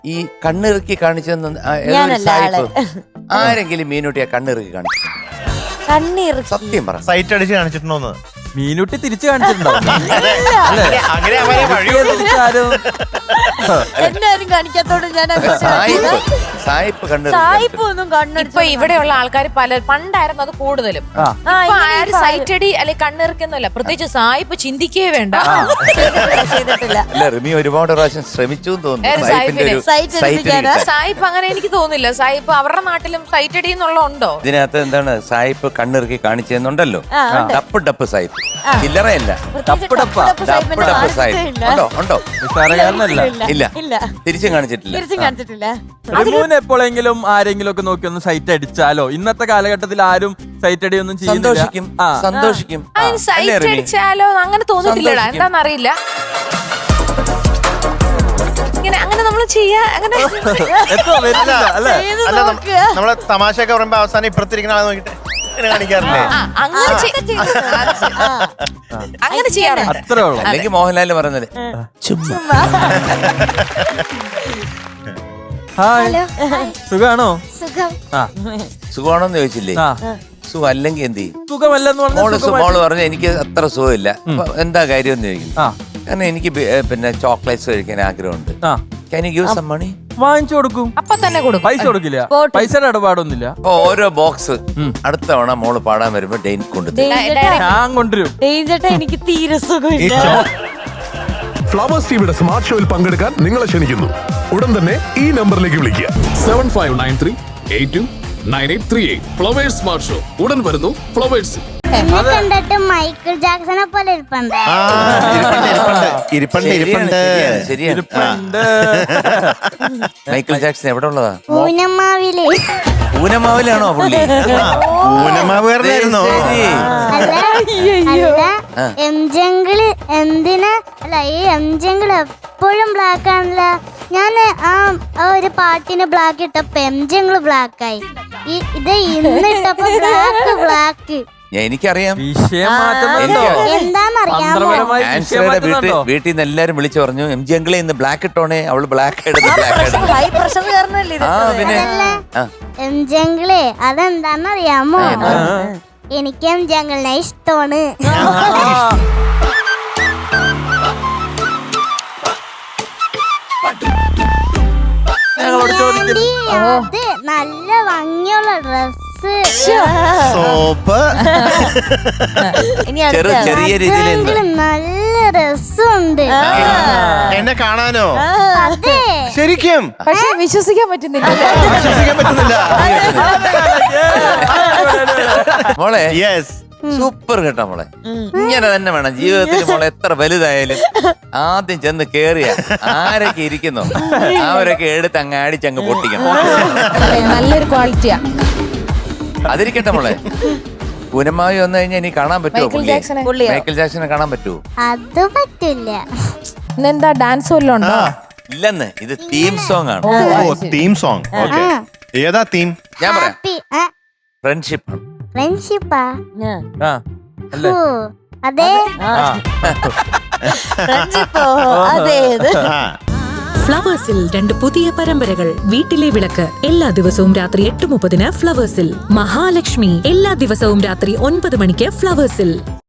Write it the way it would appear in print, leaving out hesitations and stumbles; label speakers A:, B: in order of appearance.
A: ഈ കണ്ണിറുക്കി കാണിച്ചെന്ന് സായിപ്പ് ആരെങ്കിലും മീനുട്ടിയെ കണ്ണിറുക്കി കാണിച്ചു? സത്യം പറ,
B: സൈറ്റ് അടിച്ച് കാണിച്ചിട്ടുണ്ടോന്ന്?
C: മീനുട്ടി തിരിച്ചു കാണിച്ചിട്ടുണ്ടോ?
D: എല്ലാരും കാണിക്കാത്തോണ്ട് ഞാൻ
A: സായിപ്പ്
E: ഇപ്പൊ ഇവിടെയുള്ള ആൾക്കാർ പണ്ടായിരുന്നു അത് കൂടുതലും. സൈറ്റടി അല്ലെ കണ്ണിറക്കുന്നല്ല, പ്രത്യേകിച്ച് സായിപ്പ് ചിന്തിക്കേ വേണ്ട.
A: അല്ല, റിമി ഒരുപാട് പ്രാവശ്യം ശ്രമിച്ചു തോന്നുന്നു.
E: സായിപ്പ് അങ്ങനെ എനിക്ക് തോന്നുന്നില്ല. സായിപ്പ് അവരുടെ നാട്ടിലും സൈറ്റടി എന്നുള്ള ഉണ്ടോ?
A: ഇതിനകത്ത് എന്താണ് സായിപ്പ് കണ്ണിറുക്കി കാണിച്ചെന്നുണ്ടല്ലോ. ഡപ്പ് സായിപ്പ്, ചില്ലറയല്ല. ഡപ്പ് സായിപ്പ് ഉണ്ടോ? ഇല്ല, തിരിച്ചും കാണിച്ചിട്ടില്ല.
C: റിമൂന് എപ്പോഴെങ്കിലും ആരെങ്കിലും ഒക്കെ നോക്കി ഒന്ന് സൈറ്റ് അടിച്ചാലോ? ഇന്നത്തെ കാലഘട്ടത്തിൽ ആരും സൈറ്റ് അടിയൊന്നും
A: സന്തോഷിക്കും.
E: സൈറ്റ് അടിച്ചാലോ അങ്ങനെ തോന്നിട്ടില്ലടാ, എന്താന്നറിയില്ല. അങ്ങനെ നമ്മൾ ചെയ്യാ അങ്ങനെ
B: നമ്മളെ തമാശയൊക്കെ പറയുമ്പോ അവസാനം ഇപ്പുറത്തിരിക്കുന്ന ആളെ നോക്കിട്ട് കാണിക്കാറില്ലേ?
E: അങ്ങനെ ചെയ്യാറുണ്ട്.
C: അത്രേ ഉള്ളൂ.
A: അല്ലെങ്കിൽ മോഹൻലാല് പറഞ്ഞത് ചുമ്മാ.
C: ഹായ്, സുഖാണോ?
A: സുഖമാണോന്ന് ചോദിച്ചില്ലേ? സുഖം അല്ലെങ്കിൽ എന്ത് ചെയ്യും?
C: സുഖമല്ലെന്ന്
A: മോള് പറഞ്ഞു എനിക്ക് അത്ര സുഖമില്ല. എന്താ കാര്യം എന്ന് ചോദിക്കും. കാരണം എനിക്ക് പിന്നെ ചോക്ലേറ്റ്സ് കഴിക്കാൻ ആഗ്രഹമുണ്ട്. Can you give some money?
C: വാങ്ങിച്ചു കൊടുക്കും.
E: അപ്പൊ തന്നെ കൊടുക്കും.
C: പൈസ കൊടുക്കില്ല, പൈസയുടെ ഇടപാടൊന്നുമില്ല.
A: ഓരോ ബോക്സ് അടുത്ത തവണ മോള് പാടാൻ വരുമ്പോ ഡെയിൻ കൊണ്ടുതരും.
C: ഞാൻ കൊണ്ടുവരും.
D: എനിക്ക് തീരെ സുഖമില്ല.
F: ഫ്ലവേഴ്സ് ടിവിയുടെ സ്മാർട്ട് ഷോയിൽ പങ്കെടുക്കാൻ നിങ്ങളെ ക്ഷണിക്കുന്നു. ഉടൻ തന്നെ ഈ നമ്പറിലേക്ക് വിളിക്കുക.
G: 7593829838. ഫ്ലവേഴ്സ് സ്മാർട്ട് ഷോ ഉടൻ വരുന്നു ഫ്ലവേഴ്സ്.
H: കണ്ടിട്ട് മൈക്കിൾ ജാക്സനെ പോലെ ഇരിപ്പുണ്ട്.
A: മൈക്കിൾ ജാക്സൺ എവിടെ ഉള്ളതാ?
H: ഊനമാവിലാണോ
A: പുള്ളി?
B: ഊനമാവുകാരനായിരുന്നോ?
H: അല്ല, എംജംഗിള് എന്തിനാ? അല്ല, ഈ എംജംഗിള് എപ്പോഴും ബ്ലാക്ക് ആണല്ലോ. ഞാൻ ആ ഒരു പാട്ടിന് ബ്ലാക്ക് ഇട്ടപ്പോ എംജംഗിള് ബ്ലാക്ക് ആയി. ഇത് ഇന്നിട്ടപ്പോ ബ്ലാക്ക്.
A: എനിക്കറിയാം,
H: എന്താന്നറിയാമോ?
A: വീട്ടിൽ നിന്ന് എല്ലാരും വിളിച്ചു പറഞ്ഞു എംജി അങ്കിളെ ഇന്ന് ബ്ലാക്ക് ഇട്ടോണേ. അവള് ബ്ലാക്ക്
H: എംജംഗിളെ അതെന്താന്നറിയാമോ? എനിക്ക് എംജംഗിളിനെ ഇഷ്ടമാണ്. അത് നല്ല ഭംഗിയുള്ള ഡ്രസ്,
B: സോപ്പ്,
A: ചെറിയ രീതിയിൽ
H: നല്ല രസമുണ്ട്.
B: എന്നെ കാണാനോ?
H: അതെ,
B: ശരിക്കും
E: പക്ഷെ വിശ്വസിക്കാൻ പറ്റുന്നില്ല.
A: മോളെ
B: യെസ്,
A: സൂപ്പർ കേട്ടോ മോളെ. ഇങ്ങനെ തന്നെ വേണം ജീവിതത്തിൽ. മോളെ എത്ര വലുതായാലും ആദ്യം ചെന്ന് കേറിയ ആരൊക്കെ ഇരിക്കുന്നു അവരൊക്കെ എടുത്ത് അങ്ങ് അടിച്ചങ്ങ് പൊട്ടിക്കണം.
E: നല്ലൊരു ക്വാളിറ്റിയാ.
A: അതിരിക്കട്ടെ മോളെ. പൂനമായി വന്നു കഴിഞ്ഞാൽ ഇനി കാണാൻ പറ്റുമോ? മൈക്കിൾ ജാക്സനെ കാണാൻ പറ്റുമോ?
H: അത് പറ്റില്ല.
E: ഇന്നെന്താ ഡാൻസ് വല്ലതും ഉണ്ടോ?
A: ഇല്ലെന്ന്, ഇത് തീം സോങ് ആണ്.
B: Theme song. ഏതാ തീം?
A: ഞാൻ പറയാം, ഫ്രണ്ട്ഷിപ്പ്.
H: ഫ്രണ്ട്ഷിപ്പാ?
C: അല്ലേ?
H: അതെ,
I: ഫ്ലവേഴ്സിൽ 2 പുതിയ പരമ്പരകൾ. വീട്ടിലെ വിളക്ക് എല്ലാ ദിവസവും രാത്രി 8:30 ഫ്ലവേഴ്സിൽ. മഹാലക്ഷ്മി എല്ലാ ദിവസവും രാത്രി 9 മണിക്ക് ഫ്ലവേഴ്സിൽ.